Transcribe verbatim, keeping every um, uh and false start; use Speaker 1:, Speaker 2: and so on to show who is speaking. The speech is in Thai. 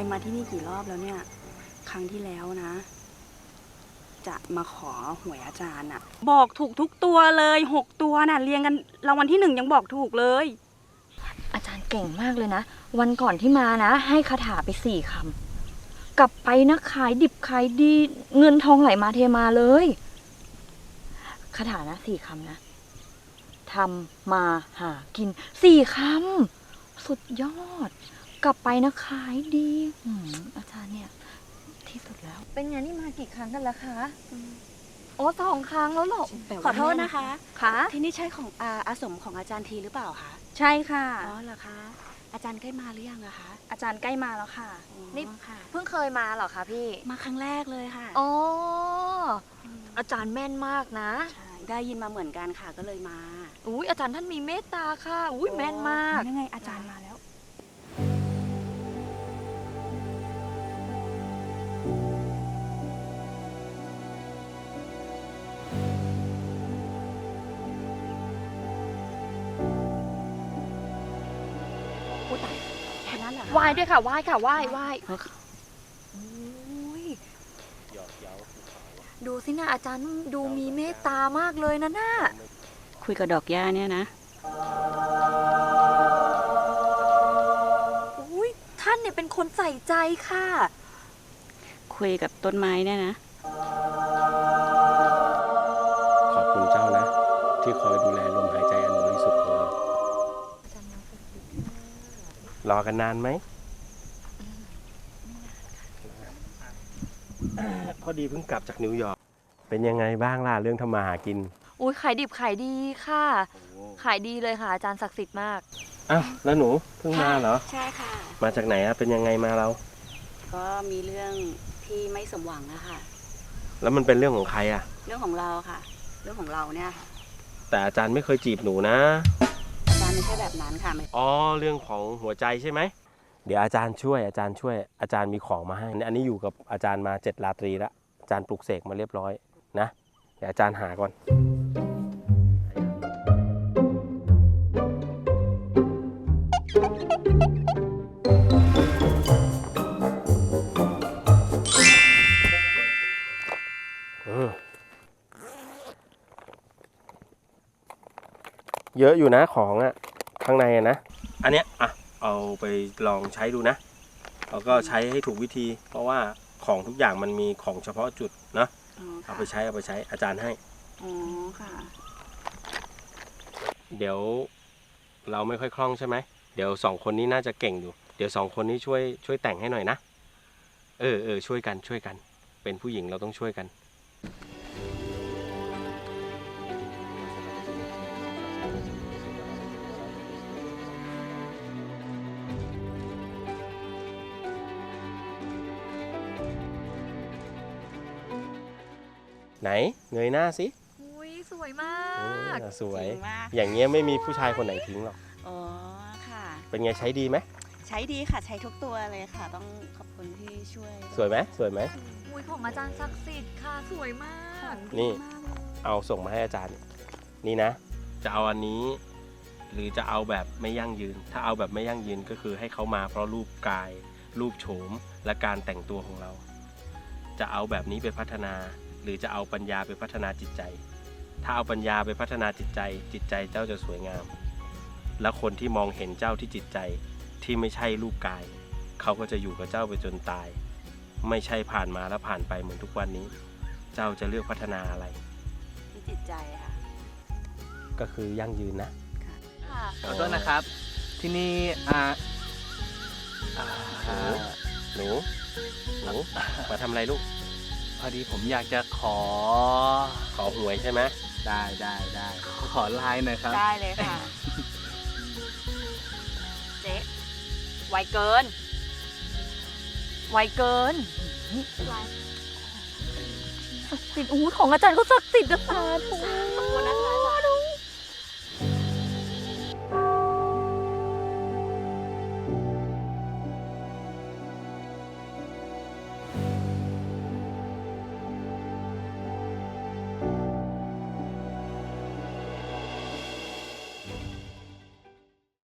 Speaker 1: มาที่นี่กี่รอบแล้วเนี่ยครั้งที่แล้วนะ จะมาขอหวยอาจารย์อะบอกถูกทุกตัวเลยหกตัวน่ะเรียงกันรางวัลที่หนึ่งยังบอกถูกเลย
Speaker 2: อาจารย์เก่งมากเลยนะวันก่อนที่มานะให้คาถาไปสี่คำกลับไปนะขายดิบขายดีเงินทองไหลมาเทมาเลยคาถานะสี่คำนะทำมาหากินสี่คำสุดยอดกลับไปนะขายดีอืมอาจารย์เนี่ยที่สุดแล้วเป็นไงนี่มากี่ครั้งกันแล้วคะโอ้สองครั้งแล้วหรอ
Speaker 1: ขอโทษนะคะ
Speaker 2: ค่ะ
Speaker 1: ที่นี่ใช่ของอาอาสมของอาจารย์ทีหรือเปล่าคะ
Speaker 2: ใช่ค่ะ
Speaker 1: อ๋อเหรอคะอาจารย์ใกล้มาหรือยังอะคะอาจารย์ใกล้มาแล้วค่ะ
Speaker 2: นี่
Speaker 1: ค่ะ
Speaker 2: เพิ่งเคยมาเหรอคะพี่
Speaker 1: มาครั้งแรกเลยค่ะ
Speaker 2: อ๋ออาจารย์แม่นมากนะ
Speaker 1: ใช่ได้ยินมาเหมือนกันค่ะก็เลยมา
Speaker 2: อุ้ยอาจารย์ท่านมีเมตตาค่ะอุ้ยแม่นมาก
Speaker 1: ยังไงอาจารย์มาแล้วพูดตายแค่นั้นเหรอ
Speaker 2: ไหว้ด้วยค่ะไหว้ค่ะไหว้ไหว้โอ้ยดูสินะอาจารย์ดูมีเมตตามากเลยนะน่ะ
Speaker 1: คุยกับดอกหญ้าเนี่ยนะ
Speaker 2: อุ้ยท่านเนี่ยเป็นคนใส่ใจค่ะ
Speaker 1: คุยกับต้นไม้เนี่ยนะ
Speaker 3: ขอบคุณเจ้านะ ที่คอยดูแลลมหายใจอันบริสุทธิ์ของเรา รอกันนานไหม พอดีเพิ่งกลับจากนิวยอร์กเป็นยังไงบ้างล่ะเรื่องทำมาหากิน
Speaker 2: อุ้ยขายดิบขายดีค่ะ ขายดีเลยค่ะอาจารย์ศักดิ์สิทธิ์มาก
Speaker 3: อ้าวแล้วหนูเพิ่งมาเหรอ
Speaker 1: ใช่ค่ะ
Speaker 3: มาจากไหนอะเป็นยังไงมาเรา
Speaker 1: ก็มีเรื่องที่ไม่สมหวังนะคะ
Speaker 3: แล้วมันเป็นเรื่องของใครอะ
Speaker 1: เรื่องของเราค่ะ เรื่องของเราเนี่ยค่ะ
Speaker 3: แต่อาจารย์ไม่เคยจีบหนูนะ
Speaker 1: อาจารย์ไม่ใช่แบบนั้นค่ะไม่
Speaker 3: อ๋อเรื่องของหัวใจใช่ไหม เดี๋ยวอาจารย์ช่วยอาจารย์ช่วยอาจารย์มีของมาให้ อันนี้อยู่กับอาจารย์มาเจ็ดราตรีแล้วอาจารย์ปลุกเสกมาเรียบร้อยนะ เดี๋ยวอาจารย์หาก่อน เออเยอะอยู่นะของอะข้างในอะนะ อันเนี้ยอ่ะเอาไปลองใช้ดูนะแล้วก็ใช้ให้ถูกวิธี เพราะว่าของทุกอย่างมันมีของเฉพาะจุดนะ
Speaker 1: อ๋อ
Speaker 3: เอา
Speaker 1: ค่ะ
Speaker 3: ไปใช้เอาไปใช้อาจารย์ให้
Speaker 1: อ๋อค่ะ
Speaker 3: เดี๋ยวเราไม่ค่อยคล่องใช่ไหมเดี๋ยวสองคนนี้น่าจะเก่งอยู่ เดี๋ยวสองคนนี้ช่วยช่วยแต่งให้หน่อยนะเออเออช่วยกันช่วยกัน เป็นผู้หญิงเราต้องช่วยกัน ไหนเงยหน้าสิ
Speaker 2: อุ้ยสวยมา
Speaker 3: เอก อสวย
Speaker 1: จริงมาก
Speaker 3: อย่างเงี้ยไม่มีผู้ชายคนไหนทิ้งหรอก
Speaker 1: อ๋อค่ะ
Speaker 3: เป็นไงใช้ดีไหม
Speaker 1: ใช้ดีค่ะใช้ทุกตัวเลยค่ะ ต้องขอบคุณที่ช่วย
Speaker 3: สวยไหมสวยไหม
Speaker 2: อุ้ยของอาจารย์ศักดิ์สิทธิ์ค่ะสวยมาก
Speaker 3: นี่
Speaker 1: ดีมากเลย
Speaker 3: เอาส่งมาให้อาจารย์ นี่นะ จะเอาอันนี้ หรือจะเอาแบบไม่ยั่งยืน ถ้าเอาแบบไม่ยั่งยืนก็คือให้เขามาเพราะรูปกาย รูปโฉมและการแต่งตัวของเรา จะเอาแบบนี้ไปพัฒนา หรือจะเอาปัญญาไปพัฒนาจิตใจ ถ้าเอาปัญญาไปพัฒนาจิตใจ จิตใจเจ้าจะสวยงาม และคนที่มองเห็นเจ้าที่จิตใจที่ไม่ใช่รูปกาย เขาก็จะอยู่กับเจ้าไปจนตาย ไม่ใช่ผ่านมาแล้วผ่านไปเหมือนทุกวันนี้ เจ้าจะเลือกพัฒนาอะไร
Speaker 1: ที่จิตใจค่ะ
Speaker 3: ก็คือยั่งยืนนะ
Speaker 2: ค่ะ
Speaker 4: ขอโทษนะครับ ที่นี่อ่าอ่า
Speaker 3: หนู หนู มาทำอะไรลูก
Speaker 4: พอดีผมอยากจะขอ
Speaker 3: ขอหวยใช่ไหม
Speaker 4: ได้ได้ได้ขอไลน์หน่อยครับ
Speaker 2: ได้เลยค่ะ เจ๊ไวเกิน ไวเกินศักดิ์สิทธิ์อู้ของอาจารย์ก็ศักดิ์สิทธิ์นะสาธุ